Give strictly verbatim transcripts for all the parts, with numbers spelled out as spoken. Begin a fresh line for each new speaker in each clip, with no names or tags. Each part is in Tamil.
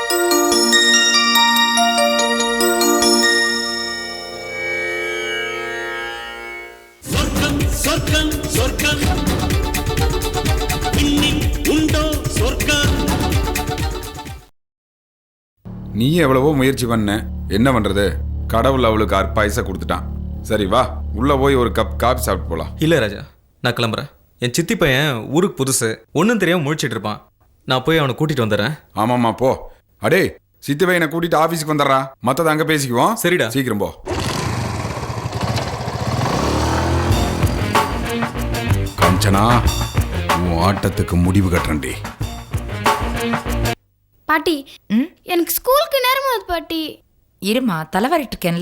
சொர்க்கம் சொர்க்கம் இன்னில் உண்டோ சொர்க்கம்.
நீ எவ்வளவோ முயற்சி பண்ண, என்ன பண்றது? கடவுள் அவளுக்கு அற்பாயச கொடுத்துட்டான். சரி வா, உள்ள போய் ஒரு கப் காபி சாப்பிட்டு போலாம்.
இல்லை ராஜா, நான் கிளம்புறேன். என் சித்தி பையன் ஊருக்கு புதுசு, ஒன்றும் தெரியாமல் முழிச்சிட்டு இருப்பான். நான் போய் அவனை கூட்டிட்டு வந்துடுறேன்.
ஆமாம்மா போ. அடே, சித்தி பையனை கூட்டிட்டு ஆஃபீஸுக்கு வந்துடுறா, மற்றதை அங்கே பேசிக்குவோம்.
சரிடா,
சீக்கிரம் போ. காஞ்சனா, உன் ஆட்டத்துக்கு முடிவு கட்டுறேன்டி.
பாட்டி, எனக்கு ஸ்கூலுக்கு நேரமா பாட்டி.
இருமா, தலைவரிட்டு இருக்கேன்ல.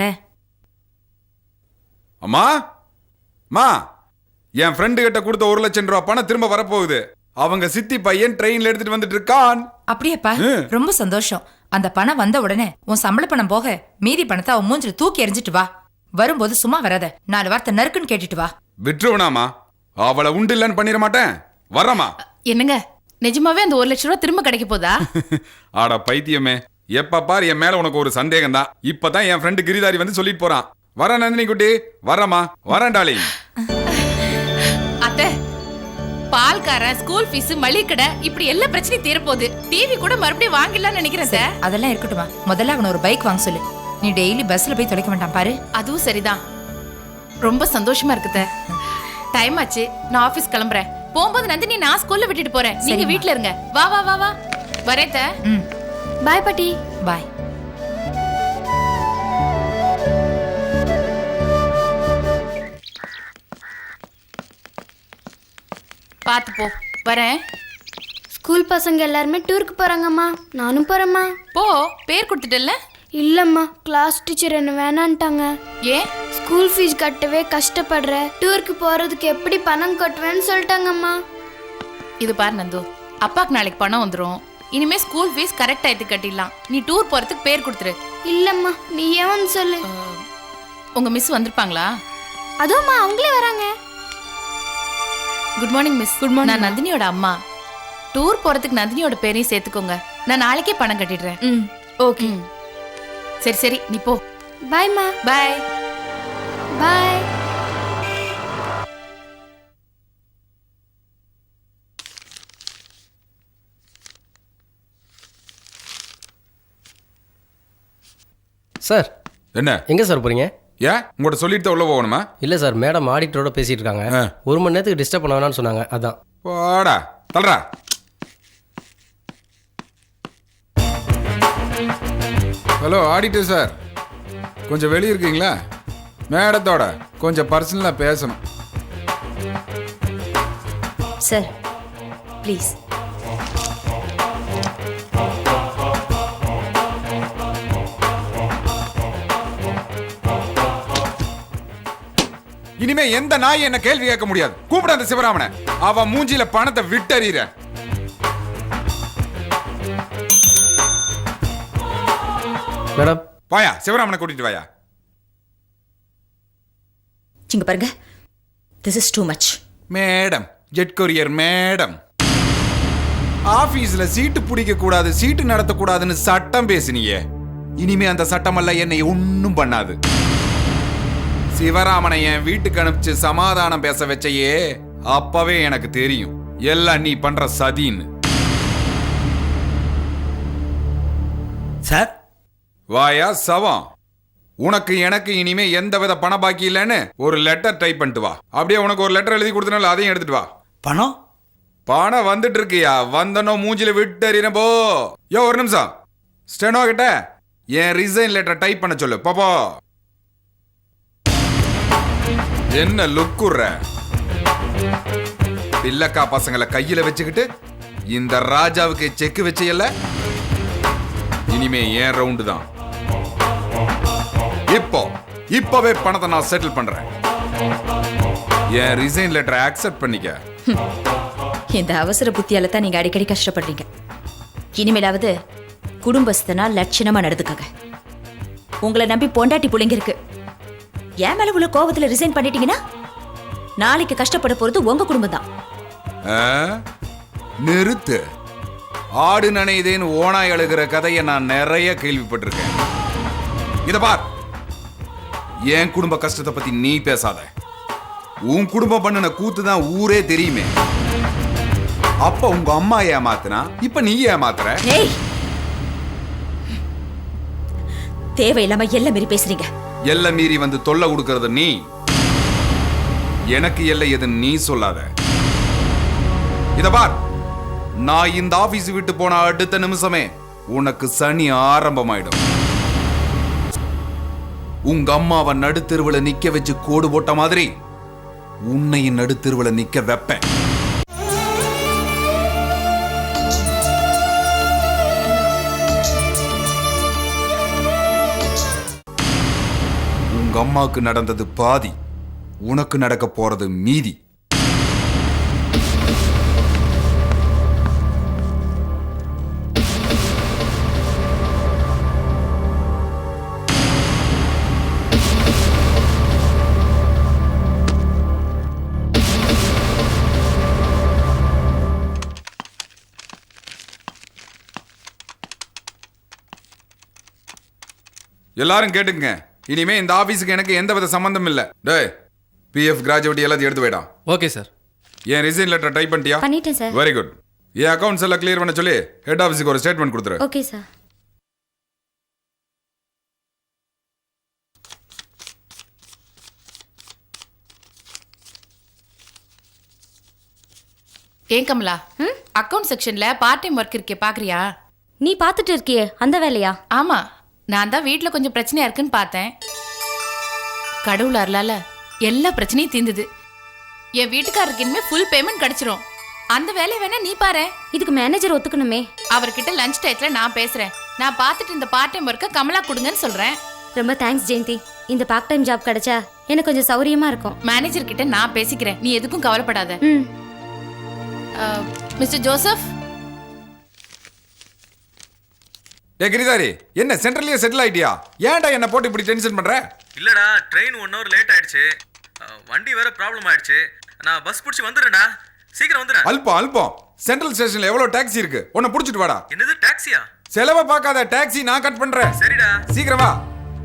அம்மா மா, என் ஃப்ரெண்டு கிட்ட கொடுத்த ஒரு லட்சம் ரூபாய் பணம் திரும்ப வரப்போகுது. அவங்க சித்தி பையன் ட்ரெயின்ல எடுத்துட்டு வந்துட்டு இருக்கான்.
அப்படியேப்பா, ரொம்ப சந்தோஷம். அந்த பணம் வந்த உடனே உன் சம்பள பணம் போக மீதி பணத்தை அவன் மூஞ்சில தூக்கி எறிஞ்சிட்டு வா. வரும்போது சும்மா வராத, நாலு வார்த்தை நறுக்குன்னு கேட்டுட்டு வா.
விட்டுருவனாமா, அவளை உண்டு இல்லன்னு பண்ணிட மாட்டேன். வரமா?
என்னங்க, நிஜமாவே அந்த ஒரு லட்சம் ரூபாய் திரும்ப கிடைக்க போதா?
ஆடா பைத்தியமே, எப்ப பாரு என் மேல உனக்கு ஒரு சந்தேகம் தான். இப்பதான் என் ஃப்ரெண்டு கிரிதாரி வந்து சொல்லிட்டு போறான். வர நந்தினி குட்டி, வரமா? வரண்டாளி.
அத்தை, பால்காரன், ஸ்கூல் ஃபீஸ், மளிகை கடை, இப்படி எல்லா பிரச்சனையும் தீரப்போகுது. டிவி கூட மறுபடியும் வாங்கிடலாம்னு நினைக்கிறேன் சார்.
அதெல்லாம் இருக்கட்டுமா, முதல்ல அவனை ஒரு பைக் வாங்க சொல்லு. நீ டெய்லி பஸ்ல போய் தொலைக்க மாட்டான் பாரு.
அதுவும் சரிதான். ரொம்ப சந்தோஷமா இருக்குத. டைம் ஆச்சு, நான் ஆபீஸ் கிளம்புறேன். போகும்போது நந்தினி நான் ஸ்கூல்ல விட்டுட்டு போறேன். நீங்க வீட்ல இருங்க. வா வா வா வா. வரேன்.
ம்,
பாய் பாட்டி.
பாய்.
பாத்து போ. வரேன்.
ஸ்கூல் பசங்க எல்லாருமே டூருக்கு போறாங்கம்மா, நானும் போறேம்மா.
போ, பேர் கொடுத்துட்டல்ல?
இல்லம்மா, கிளாஸ் டீச்சர் என்ன வேணான்ட்டாங்க.
ஏன்?
ஸ்கூல் ஃபீஸ் கட்டவே கஷ்டப்படுற, டூருக்கு போறதுக்கு எப்படி பணம் கட்டுவேன்னு சொல்லிட்டாங்கம்மா.
இது பாரு நந்து, அப்பாக்கு நாளைக்கு பணம் வந்துடும். இனிமே ஸ்கூல் ஃபீஸ் கரெக்ட் ஆயிட்டு கட்டிடலாம். நீ டூர் போறதுக்கு பேர் கொடுத்துரு.
இல்லம்மா, நீ ஏன் சொல்லு.
உங்க மிஸ் வந்திருப்பாங்களா?
அதுவும்மா, அவங்களே வராங்க.
Good morning miss. Good morning. நான் நந்தினியோட அம்மா. டூர் போறதுக்கு நந்தினியோட பேரையும் சேர்த்துக்கோங்க. நான் நாளைக்கே பணம் கட்டிடுறேன்.
ம், ஓகே.
சரி சரி, நீ போ.
பாய்மா.
பாய்
பாய்.
சார்,
என்ன
எங்கே சார் போகிறீங்க?
ஏன் உங்கள்கிட்ட சொல்லிட்டு உள்ள போகணுமா?
இல்லை சார், மேடம் ஆடிட்டரோட பேசிகிட்டு இருக்காங்க. ஒரு மணி நேரத்துக்கு டிஸ்டர்ப் பண்ண வேணாம்னு சொன்னாங்க, அதான்.
போடா தல்றா. ஹலோ ஆடிட்டர் சார், கொஞ்சம் வெளியே இருக்கீங்களா? மேடத்தோட கொஞ்சம் பர்சனலாக பேசணும்.
Sir please.
இனிமே எந்த நாய் என்ன கேள்வி கேட்க முடியாது. கூப்பிட அந்த சிவராமனை, அவன் மூஞ்சில பணத்தை விட்டறிற.
மேடம்,
வாயா, சிவராமனை கூட்டிட்டு வாயா.
இங்க பாருங்க, this is too much.
Madam, Jet courier madam, ஆபீஸ்ல சீட்டு பிடிக்க கூடாது, சீட்டு நடத்தக்கூடாதுன்னு சட்டம் பேசினியே. இனிமே அந்த சட்டம் எல்லாம் என்னை ஒன்னும் பண்ணாது. சிவராமனை என் வீட்டுக்கு அனுப்பிச்சு சமாதானம் பேச வச்சையே, அப்பவே எனக்கு தெரியும் எல்லாம் நீ பண்ற சதின்னு.
சார்,
வாயா சவம், உனக்கு எனக்கு இனிமே எந்த வித பண பாக்கி இல்லைன்னு ஒரு லெட்டர் டைப் பண்ணிட்டு வா. அப்படியே உனக்கு ஒரு லெட்டர் எழுதி கொடுத்தனால அதையும் எடுத்துட்டு வா.
பணம்
பணம் வந்துட்டு இருக்கியா? வந்தனோ மூஞ்சில விட்டு போ. யோ ஒரு நிமிஷம், ஸ்டெனோ கிட்ட என் ரிசைன் லெட்டர் டைப் பண்ண சொல்லு. பாப்போ என்ன லுக்குற? பில்லக்கா பசங்களை கையில வச்சுக்கிட்டு இந்த ராஜாவுக்கு செக் வச்சையல்ல, இனிமே ஏன் ரவுண்டு தான். இப்போ இப்பவே பணத்தை நான் செட்டில் பண்றேன். என் ரிசைன் லெட்டரை அக்செப்ட் பண்ணிக்க.
இந்த அவசர புத்தியால தான் நீங்க அடிக்கடி கஷ்டப்படுறீங்க. இனிமேலாவது குடும்பஸ்தனா லட்சணமா நடந்துக்கங்க. உங்களை நம்பி பொண்டாட்டி புள்ளைங்க இருக்கு. ஏன் மேல உள்ள கோபத்துல ரிசைன் பண்ணிட்டீங்கன்னா நாளைக்கு கஷ்டப்பட போறது உங்க குடும்பம் தான்.
நிறுத்து. ஆடு நனையுதேன்னு ஓனாய் அழுகிற கதையை நான் நிறைய கேள்விப்பட்டிருக்கேன். இத பார், என் குடும்ப கஷ்டத்தை பத்தி நீ பேசாத. உன் குடும்பம் பண்ணின கூத்து தான் ஊரே தெரியுமே. அப்ப உங்க அம்மா ஏமாத்துனா இப்ப நீ ஏமாத்துற.
ஏய், தேவையில்லாம எல்லாம் மீறி பேசுறீங்க.
எல்லை மீறி வந்து தொல்லை கொடுக்கறது நீ. எனக்கு எல்லை எதுன்னு நீ சொல்லாத. இத பார், நான் இந்த ஆபீஸ் விட்டு போன அடுத்த நிமிஷமே உனக்கு சனி ஆரம்பமாயிடும். உங்க அம்மாவை நடுத்தெருவுல நிக்க வச்சு கோடு போட்ட மாதிரி உன்னையும் நடுத்தெருவுல நிக்க வைப்பேன். உங்க அம்மாவுக்கு நடந்தது பாதி, உனக்கு நடக்க போறது மீதி. எல்லாரும் கேட்டுங்க, இனிமே இந்த ஆபீஸுக்கு எனக்கு எந்த வித சம்பந்தம் இல்ல. டேய், பிஎஃப் கிராஜுவேட் எல்லாத்தையும் எடுத்து போயிடா.
Okay sir.
என் ரிசைன் லெட்டர் டைப் பண்ணிட்டியா?
பண்ணிட்டேன் சார்.
Very good. என் அக்கவுண்ட்ஸ் எல்லாம் கிளியர் பண்ண சொல்லி ஹெட் ஆஃபீஸுக்கு ஒரு ஸ்டேட்மெண்ட் கொடுத்துரு.
Okay sir.
ஏன் கமலா, அக்கவுண்ட் செக்ஷன்ல பார்ட் டைம் ஒர்க் இருக்கே, பாக்குறியா?
நீ பார்த்துட்டு இருக்கியே அந்த வேலையா?
ஆமா, நான் தான் வீட்ல கொஞ்சம் பிரச்சனையா இருக்குன்னு பார்த்தேன். கடவுள் அருளால எல்லா பிரச்சனையும் தீர்ந்தது. என் வீட்டுக்காரருக்கு இனிமே ஃபுல் பேமெண்ட் கிடைச்சிரும். அந்த வேலையை வேணா நீ பாரு.
இதுக்கு மேனேஜர் ஒத்துக்கணுமே.
அவர்கிட்ட லஞ்ச் டயத்துல நான் பேசுறேன். நான் பார்த்துட்டு இந்த பார்ட் டைம் ஒர்க்கை கமலா கொடுங்கன்னு சொல்றேன்.
ரொம்ப தேங்க்ஸ் ஜெயந்தி. இந்த பார்ட் டைம் ஜாப் கிடைச்சா எனக்கு கொஞ்சம் சௌரியமா இருக்கும்.
மேனேஜர் கிட்ட நான் பேசிக்கிறேன், நீ எதுக்கும் கவலைப்படாத.
ம்.
Mister Joseph.
டே கிரிதாரி, என்ன சென்ட்ரல்லயே செட்டில் ஆயிட்டியா? ஏன்டா என்ன போட்டு இப்படி டென்ஷன் பண்ற?
இல்லடா, ட்ரெயின் ஒன் ஹவர் லேட் ஆயிடுச்சு. அஹ், வண்டி வேற ப்ராப்ளம் ஆயிடுச்சு. நான் பஸ் பிடிச்சி வந்துடுறேன்டா. சீக்கிரம் வந்துடுறேன்.
அல்பம் அல்பம். சென்ட்ரல் ஸ்டேஷன்ல எவ்வளவு டாக்ஸி இருக்கு, உன்னை புடிச்சிட்டு வாடா.
என்னது டாக்ஸியா?
செலவை பார்க்காத, டாக்ஸி நான் கட் பண்றேன்.
சரிடா.
சீக்கிரம் வா.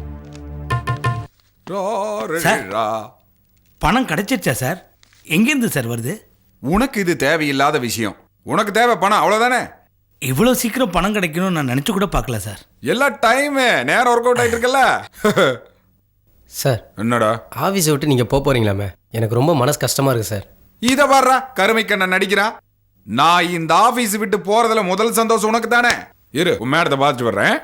சார், பணம் கிடைச்சிருச்சா சார்? எங்கேருந்து சார் வருது?
உனக்கு இது தேவையில்லாத விஷயம். உனக்கு தேவை பணம், அவ்வளவுதானே?
இவ்வளோ சீக்கிரம் பணம் கிடைக்கணும்னு நான் நினச்சி கூட பார்க்கல சார்.
எல்லா டைமே நேரம் ஒர்க் அவுட் ஆயிட்டு இருக்கல.
சார்,
என்னடா
ஆஃபீஸை விட்டு நீங்கள் போக போகிறீங்களாமே, எனக்கு ரொம்ப மனசு கஷ்டமாக இருக்குது சார்.
இத பாடுறா, கருமைக்கண்ண நடிக்கிறான். நான் இந்த ஆபீஸ் விட்டு போறதுல முதல் சந்தோஷம் உனக்கு தானே. இரு, உன் மேடத்தை பார்த்துட்டு வர்றேன்.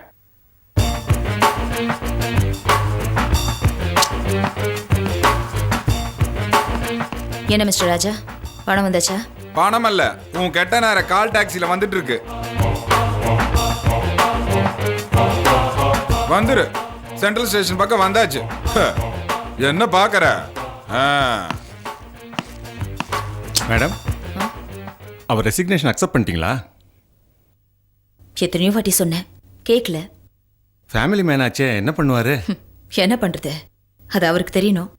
என்ன மிஸ்டர் ராஜா, பணம் வந்தாச்சா?
பணம் அல்ல, உன் கெட்ட நேர கால் டாக்ஸில வந்துட்டு இருக்கு. வந்துரு, சென்ட்ரல் ஸ்டேஷன் பக்கம் வந்தாச்சு. ஹ, என்ன பாக்குற? ஆ.
மேடம், அவர் ரெசிக்னேஷன் அக்செப்ட் பண்ணிட்டீங்களா?
எத்தனையோ வாட்டி சொன்னேன், கேட்கல.
ஃபேமிலி மேன் ஆச்சே, என்ன பண்ணுவாரு?
என்ன பண்றது, அது அவருக்கு தெரியணும்.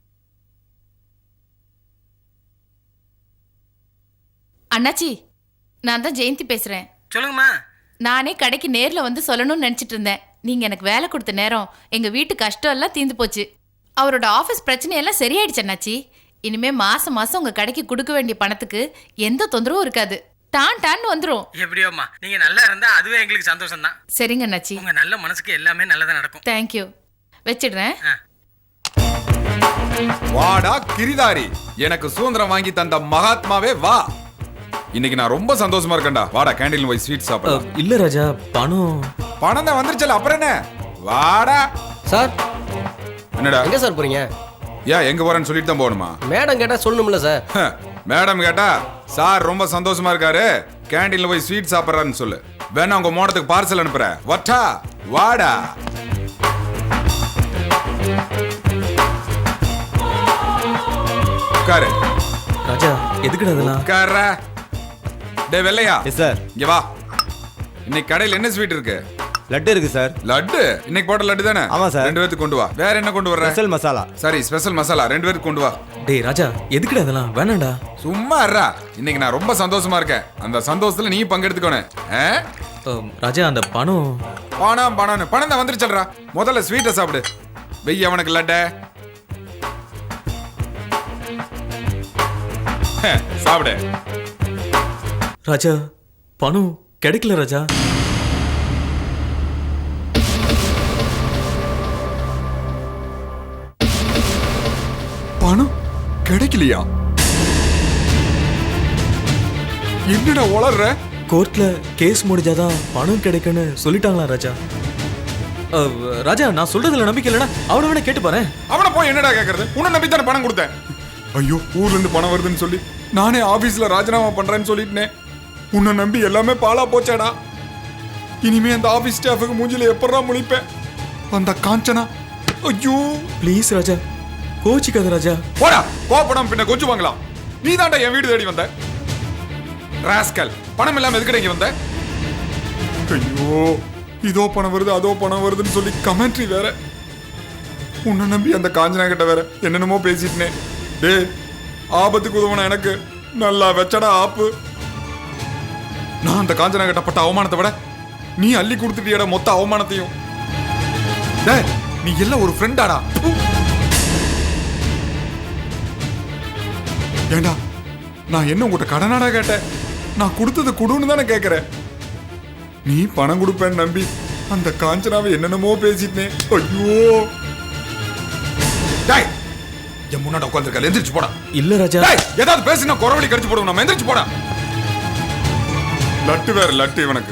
அண்ணாச்சி, நான் தான் ஜெயந்தி பேசுறேன்.
சொல்லுங்கம்மா.
நானே கடைக்கு நேர்ல வந்து சொல்லணும்னு நினைச்சிட்டு இருந்தேன். நீங்க எனக்கு வேலை கொடுத்த நேரம் எங்க வீட்டு கஷ்டம் எல்லாம் தீர்ந்து போச்சு. அவரோட ஆபீஸ் பிரச்சனையெல்லாம் சரியாயிடுச்சு அண்ணாச்சி. இனிமே மாசம் மாசம் உங்க கடைக்கு கொடுக்க வேண்டிய பணத்துக்கு எந்த தொந்தரவும் இருக்காது. டான் டான் வந்துரும்.
எப்படியோம்மா, நீங்க நல்லா இருந்தா அதுவே எங்களுக்கு சந்தோஷம் தான்.
சரிங்க அண்ணாச்சி.
உங்க நல்ல மனசுக்கு எல்லாமே நல்லதா நடக்கும்.
தேங்க்யூ. வச்சிடுறேன்.
வாடா கிரிதாரி, எனக்கு சுதந்திரம் வாங்கி தந்த மகாத்மாவே வா. இன்னைக்கு நான் ரொம்ப சந்தோஷமா இருக்கேன்டா. வாடா கேண்டீன் போய் ஸ்வீட் சாப்பிடலாம்.
இல்ல ராஜா, பணம்
பணம் தான் வந்துருச்சல, அப்புறம் என்ன? வாடா.
சார்,
என்னடா?
எங்கே சார் போகிறீங்க?
ஏன் எங்க போறேன்னு சொல்லிட்டு தான் போகணுமா?
மேடம் கேட்டால் சொல்லணும்ல சார்.
மேடம் கேட்டா சார் ரொம்ப சந்தோஷமா இருக்காரு, கேண்டீன்ல போய் ஸ்வீட் சாப்பிட்றாருன்னு சொல்லு. வேணா உங்க மோடத்துக்கு பார்சல் அனுப்புறேன். வட்டா வாடா. உட்காரு.
ராஜா, எதுக்குடா அதெல்லாம்?
உட்கார. டே வெள்ளையா,
சார்,
இங்க வா. இன்னைக்கு கடையில் என்ன ஸ்வீட் இருக்கு?
லட்டு இருக்கு சார்.
லட்டு? இன்னைக்கு போட்ட லட்டு தானே?
ஆமா சார்.
ரெண்டு பேருக்கு கொண்டு வா. வேற என்ன கொண்டு வர்ற?
ஸ்பெஷல் மசாலா.
சரி, ஸ்பெஷல் மசாலா ரெண்டு பேருக்கு கொண்டு வா.
டேய் ராஜா, எதுக்குடா அதெல்லாம்? வேணாண்டா.
சும்மா இருடா. இன்னைக்கு நான் ரொம்ப சந்தோஷமா இருக்கேன். அந்த சந்தோஷத்துல நீ பங்கெடுத்துக்கணும்.
அம், ராஜா அந்த பணம்
பணம் பணம் பணம் தான் வந்துருச்சல்றா. முதல்ல ஸ்வீட்டை சாப்பிடு. வெய்ய அவனுக்கு லட்ட சாப்பிடு.
ராஜா பணம் கிடைக்கல ராஜா.
பணம் கிடைக்கலையா? என்னடா வளர்ற?
கோர்ட்ல கேஸ் முடிஞ்சாதான் பணம் கிடைக்குன்னு சொல்லிட்டாங்களா ராஜா? அஹ், ராஜா நான் சொல்றதுல நம்பிக்கை இல்லைனா அவனை வேணா கேட்டு பாரு.
அவனை போய் என்னடா கேட்கறது? உன்னை நம்பி தானே பணம் கொடுத்தேன். ஐயோ ஊர்ல இருந்து பணம் வருதுன்னு சொல்லி நானே ஆபீஸ்ல ராஜினாமா பண்றேன்னு சொல்லிட்டேன். உன்னை நம்பி எல்லாமே பாலா போச்சாடா. இனிமே அந்த ஆபீஸ் ஸ்டாஃபுக்கு மூஞ்சில எப்படா முழிப்பேன்? அந்த காஞ்சனா ஐயோ
ப்ளீஸ் ராஜா கோச்சிக்காத ராஜா.
போடா கோபப்படாம பின்ன கொஞ்சம் வாங்கலாம். நீ தான்டா என் வீடு தேடி வந்த ராஸ்கல். பணம் இல்லாம எதுக்கடா இங்க வந்த? ஐயோ இதோ பணம் வருது அதோ பணம் வருதுன்னு சொல்லி கமெண்ட்ரி வேற. உன்னை நம்பி அந்த காஞ்சனா கிட்ட வேற என்னென்னமோ பேசிட்டேன். டே ஆபத்துக்கு உதவன எனக்கு நல்லா வச்சடா ஆப்பு. நான் அந்த காஞ்சனா கிட்ட பட்ட அவமானத்தை விட நீ அள்ளி கொடுத்துட்டியட மொத்த அவமானத்தையும். டேய் நீ எல்லாம் ஒரு ஃப்ரெண்டாடா. ஏண்டா நான் என்ன உங்ககிட்ட கடனாடா கேட்டேன்? நான் கொடுத்தது குடுன்னு தானே கேட்கிறேன். நீ பணம் கொடுப்பேன்னு நம்பி அந்த காஞ்சனாவை என்னென்னமோ பேசிட்டேன். ஐயோ டேய் என் முன்னாடி உட்காந்துருக்க எந்திரிச்சு போடா.
இல்ல ராஜா
டேய் ஏதாவது பேசினா குறவழி கடிச்சு போடுவோம். நம்ம எந்திரிச்சு போடா. லட்டு வேற லட்டு இவனுக்கு.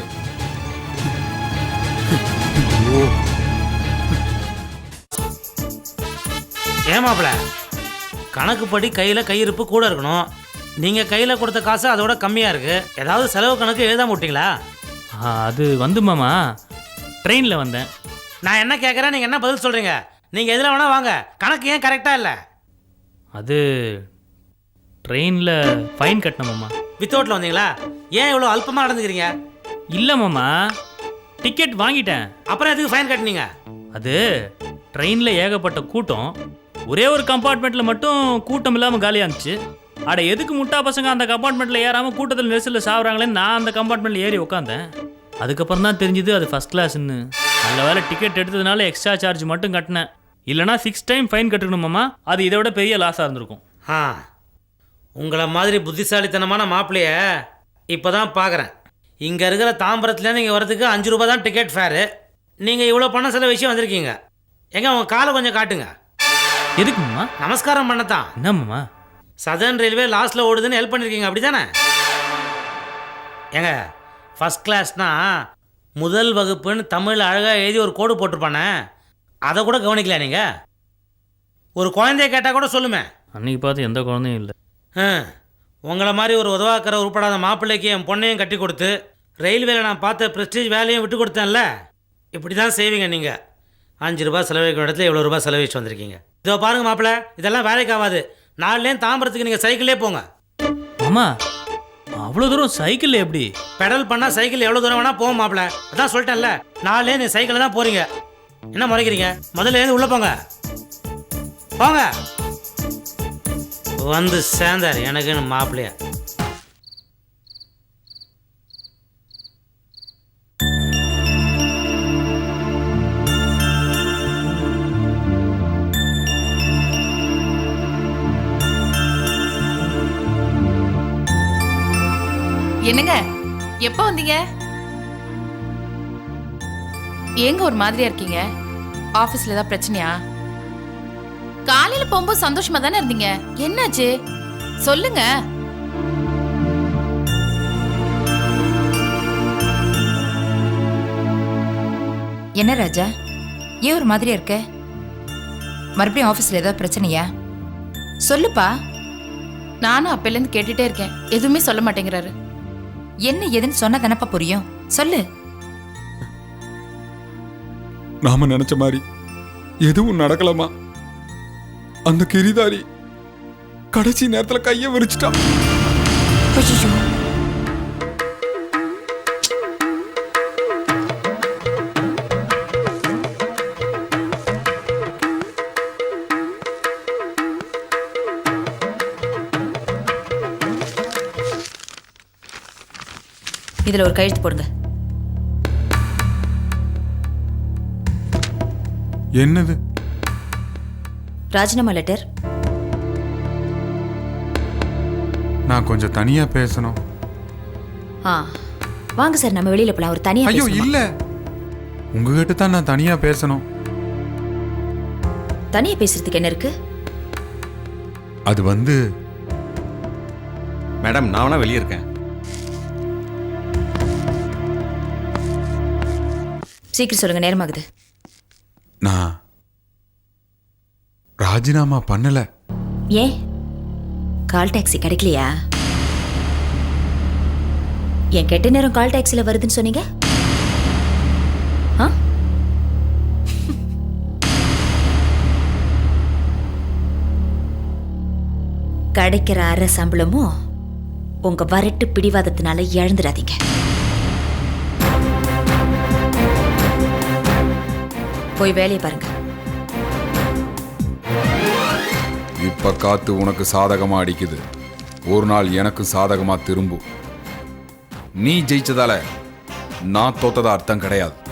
ஏமாப்ல கணக்குப்படி கையில் கையிருப்பு கூட இருக்கணும். நீங்கள் கையில் கொடுத்த காசு அதோட கம்மியாக இருக்குது. ஏதாவது செலவு கணக்கு எழுதாம விட்டீங்களா?
அது வந்து மாமா ட்ரெயினில் வந்தேன்.
நான் என்ன கேட்குறேன், நீங்கள் என்ன பதில் சொல்கிறீங்க? நீங்கள் எதில் வேணால் வாங்க, கணக்கு ஏன் கரெக்டாக இல்லை?
அது ட்ரெயினில் ஃபைன் கட்டணும் மாமா.
வித்தவுட்டில் வந்தீங்களா? ஏன் இவ்வளோ அல்பமாக நடந்துக்கிறீங்க?
இல்லை மாமா டிக்கெட் வாங்கிட்டேன்.
அப்புறம் எதுக்கு ஃபைன் கட்டினீங்க?
அது ட்ரெயினில் ஏகப்பட்ட கூட்டம். ஒரே ஒரு கம்பார்ட்மெண்ட்டில் மட்டும் கூட்டம் இல்லாமல் காலியாக இருந்துச்சு. அட எதுக்கு முட்டா பசங்க அந்த கம்பார்ட்மெண்ட்டில் ஏறாமல் கூட்டத்தில் நெரிசலில் சாப்பிட்றாங்களேன்னு நான் அந்த கம்பார்ட்மெண்ட்டில் ஏறி உட்காந்தேன். அதுக்கப்புறம் தான் தெரிஞ்சுது அது ஃபஸ்ட் கிளாஸ்ன்னு. நல்ல வேலை டிக்கெட் எடுத்ததுனால எக்ஸ்ட்ரா சார்ஜ் மட்டும் கட்டினேன். இல்லைனா சிக்ஸ் டைம் ஃபைன் கட்டணுமாம்மா. அது இதை விட பெரிய லாஸாக இருந்திருக்கும்.
ஆ உங்களை மாதிரி புத்திசாலித்தனமான மாப்பிள்ளைய இப்போ தான் பார்க்குறேன். இங்கே இருக்கிற தாம்பரத்துலேருந்து இங்கே வரதுக்கு அஞ்சு ரூபா தான் டிக்கெட் ஃபேரு. நீங்கள் இவ்வளோ பணம் சில விஷயம் வந்திருக்கீங்க. எங்க உங்கள் காலை கொஞ்சம் காட்டுங்க.
எதுக்குமாம்மா?
நமஸ்காரம் பண்ணத்தான்.
என்னம்மா?
சதர்ன் ரயில்வே லாஸ்ட்டில் ஓடுதுன்னு ஹெல்ப் பண்ணியிருக்கீங்க அப்படி தானே? ஏங்க ஃபஸ்ட் கிளாஸ்னா முதல் வகுப்புன்னு தமிழில் அழகாக எழுதி ஒரு கோடு போட்டிருப்பானே, அதை கூட கவனிக்கல நீங்கள்? ஒரு குழந்தைய கேட்டால் கூட சொல்லுமே.
அன்றைக்கி பார்த்து எந்த குழந்தையும் இல்லை.
உங்களை மாதிரி ஒரு உதவாக்கிற உருப்படாத மாப்பிள்ளைக்கு என் பொண்ணையும் கட்டி கொடுத்து ரயில்வேல நான் பார்த்த ப்ரெஸ்டீஜ் வேலையும் விட்டு கொடுத்தேன்ல. இப்படி தான் செய்வீங்க நீங்கள். அஞ்சு ரூபா செலவழிக்கிற இடத்துல எவ்வளோ ரூபா செலவழிச்சு வந்திருக்கீங்க. இதோ பாருங்கள் மாப்பிள்ளை, இதெல்லாம் வேலைக்கு ஆகாது. நாலுலேயும் தாம்பரத்துக்கு நீங்கள் சைக்கிளே போங்க.
அம்மா அவ்வளோ தூரம் சைக்கிள் எப்படி?
பெடல் பண்ணால் சைக்கிள் எவ்வளோ தூரம் வேணால் போகும் மாப்பிள்ளை. அதான் சொல்லிட்டேன்ல, நாலுலேயும் நீ சைக்கிளில் தான் போகிறீங்க. என்ன முறைக்கிறீங்க? முதல்ல எழுந்து உள்ளே போங்க. போங்க. வந்து சேர்ந்தார் எனக்குன்னு மாப்பிள்ளையா.
என்னங்க எப்போ வந்தீங்க? ஏங்க ஒரு மாதிரியா இருக்கீங்க? ஆபீஸ்ல ஏதாவது பிரச்சனையா? காலையில போகும்போது சந்தோஷமா தானே இருந்தீங்க, என்னாச்சு சொல்லுங்க.
என்ன ராஜா, ஏன் ஒரு மாதிரியா இருக்க? மறுபடியும் ஆஃபீஸில் ஏதாவது பிரச்சனையா? சொல்லுப்பா.
நானும் அப்பையிலேருந்து கேட்டுட்டே இருக்கேன், எதுவுமே சொல்ல மாட்டேங்கிறாரு.
என்ன ஏதுன்னு சொன்ன தானப்பா புரியும், சொல்லு.
நாம நினைச்ச மாதிரி எதுவும் நடக்கலாமா? அந்த கிரிதாரி கடைசி நேரத்துல கைய விரிச்சிட்டான்.
இதுல ஒரு கையெழுத்து போடுங்க.
என்னது?
ராஜினாமா லெட்டர்.
நான் கொஞ்சம் தனியா பேசணும்.
ஆ வாங்க சார், நம்ம வெளியில போலாம். ஒரு தனியா
ஐயோ
பேசணுமா?
இல்ல, உங்ககிட்ட தான் நான் தனியா பேசணும்.
தனியா பேசுறதுக்கு என்ன இருக்கு?
அது வந்து
மேடம் நான் வேணா வெளியே இருக்கேன்.
சீக்கிரம் சொல்லுங்க, நேரமாகுது.
நான் ராஜினாமா பண்ணல.
ஏன் கால் டாக்ஸி கிடைக்கலையா? என் கெட்ட நேரம் கால் டாக்ஸில வருதுன்னு சொன்னீங்க. ஆ? கிடைக்கிற அரை சம்பளமும் உங்க வரட்டு பிடிவாதத்தினால இழந்துடாதீங்க. போய் வேலையை பாருங்க.
இப்ப காத்து உனக்கு சாதகமா அடிக்குது, ஒரு நாள் எனக்கு சாதகமா திரும்பும். நீ ஜெயிச்சதால நான் தோத்ததா அர்த்தம் கிடையாது.